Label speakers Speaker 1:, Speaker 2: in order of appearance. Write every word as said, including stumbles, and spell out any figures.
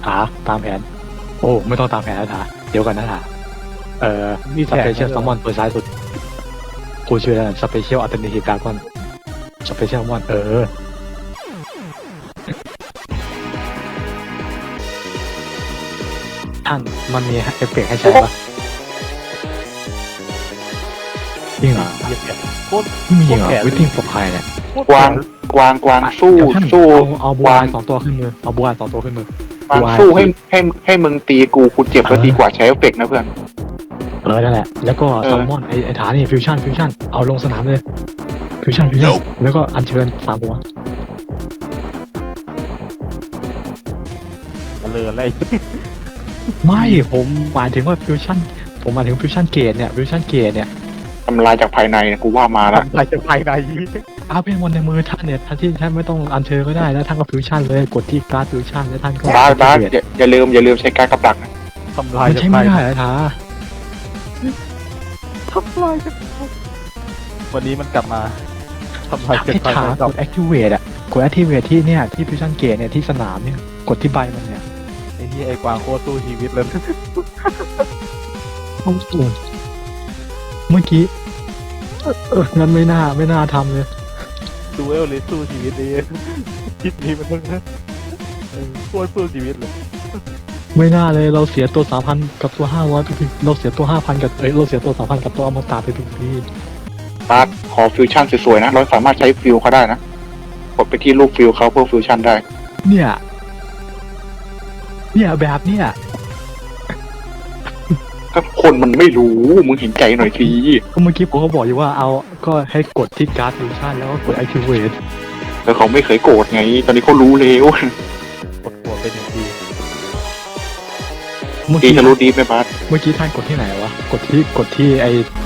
Speaker 1: ถาตามแผนโอ้ไม่ต้องตามแผนนะถาเดี๋ยวกันนะถาเอ่อ
Speaker 2: มี
Speaker 1: ส
Speaker 2: แผน
Speaker 1: เปเชียลซัมมอนตัวซ้ายสุดกูชื่ออะไรสเปเชียลอัลเทอร์เนทีฟดาร์กอนสเปเชียลมอนเออท่านมันมีเอฟเฟกต์ให้ใช้ปะจริงเหรอ
Speaker 2: เหยียบแผนโคตร
Speaker 1: ไม่มีจริงเหรอ
Speaker 2: โคตรแผน
Speaker 1: วิตติ้งปกใครเนี่ย
Speaker 3: กวางกวางกวางสู้
Speaker 1: เดี๋ยวท่าน
Speaker 3: สู้
Speaker 1: เอาเอาบัว
Speaker 3: วาง
Speaker 1: สองตัวขึ้นมือเอาบัวสองตัวขึ้นมือก
Speaker 3: วาง
Speaker 1: วาง
Speaker 3: สู้ให้ให้ให้มึงตีกูกูเจ็บแล้ว
Speaker 1: เออ
Speaker 3: ดีกว่าใช้เอฟเฟกต์นะเพื่อน
Speaker 1: เออนั่นแหละแล้วก็
Speaker 3: เออ
Speaker 1: ซัมมอนไอไอฐานนี่ฟิวชั่นฟิวชั่นเอาลงสนามเลยฟิวชั่นฟิวชั่นแล้วก็อัญเชิญสามบัว
Speaker 2: มาเลยอะไร
Speaker 1: ไม่ผมหมายถึงว่าฟิวชั่นผมหมายถึงฟิวชั่นเกตเนี่ยฟิวชั่นเกตเนี่ย
Speaker 3: ทำลายจากภายในกูว่ามาละ
Speaker 2: ทำลายจากภายใน
Speaker 1: เอาเป็นมนต์ในมือท่านเนี่ยท่านที่ท่านไม่ต้องอัญเชิญก็ได้แล้วท่านก็ฟิวชั่นเลยกดที่การ์ดฟิวชั่นแล้วท่านก็
Speaker 3: บ้าสบ้าส
Speaker 1: เกต
Speaker 3: อย่าอย่าลืมอย่าลืมใช้การดกับดักนะ
Speaker 2: ทำลาย
Speaker 1: มัน
Speaker 2: จาก
Speaker 1: ใช้
Speaker 2: ภา
Speaker 1: ไม่
Speaker 2: ยใน
Speaker 1: ได้เหรอท้า
Speaker 2: ทำลายจากวันนี้มันกลับมาทำลายจาก
Speaker 1: ให้
Speaker 2: ภาย
Speaker 1: ท้า
Speaker 2: ใน
Speaker 1: ก
Speaker 2: กับ
Speaker 1: ด activate อ่ะกด activate ที่เนี่ยที่ฟิวชั่นเกตเนี่ยที่สนามเนี่ยกดที่ใบมันเนี่ย
Speaker 2: ไอ้นี่ไอ้กวางโคตรสู้ชีวิตเลย
Speaker 1: โอ้โหเมื่อกี้เออเอองั้นไม่น่าไม่น่าทำเลย
Speaker 2: ดูเอลเลยสู้ชีวิตนี้คิดนี้มันต้องเออโคตรสู้ชีวิตเลย
Speaker 1: ไม่น่าเลยเราเสียตัวสามพันกับตัวห้าร้อยไปทุกเราเสียตัวห้าพันกับเอ้ยเราเสียตัวสามพันกับตัวอมตะไปทุกที
Speaker 3: บ้าสขอฟิวชั่นสวยๆนะเราสามารถใช้ฟิวเขาได้นะกดไปที่รูปฟิวเขาเพื่อฟิวชั่นได้
Speaker 1: เนี่ย เนี่ยแบบเนี่ย
Speaker 3: ถ้าคนมันไม่รู้มึงเห็นใจหน่อยสิ
Speaker 1: ก็เมื่อกี้ผมก็บอกอยู่ว่าเอาก็ให้กดที่การ์ดฟิวชั่นแล้วก็กด activate
Speaker 3: แต่เขาไม่เคยโกรธไง ตอนนี้เขารู้แล้ว
Speaker 2: กดหัวเป็นอย่างดี
Speaker 1: เมื่อ
Speaker 3: ดี
Speaker 1: กี้
Speaker 3: ทะลุดีไหมบ้าส
Speaker 1: เมื่อกี้ท่านกดที่ไหนวะกดที่กดที่ไอ้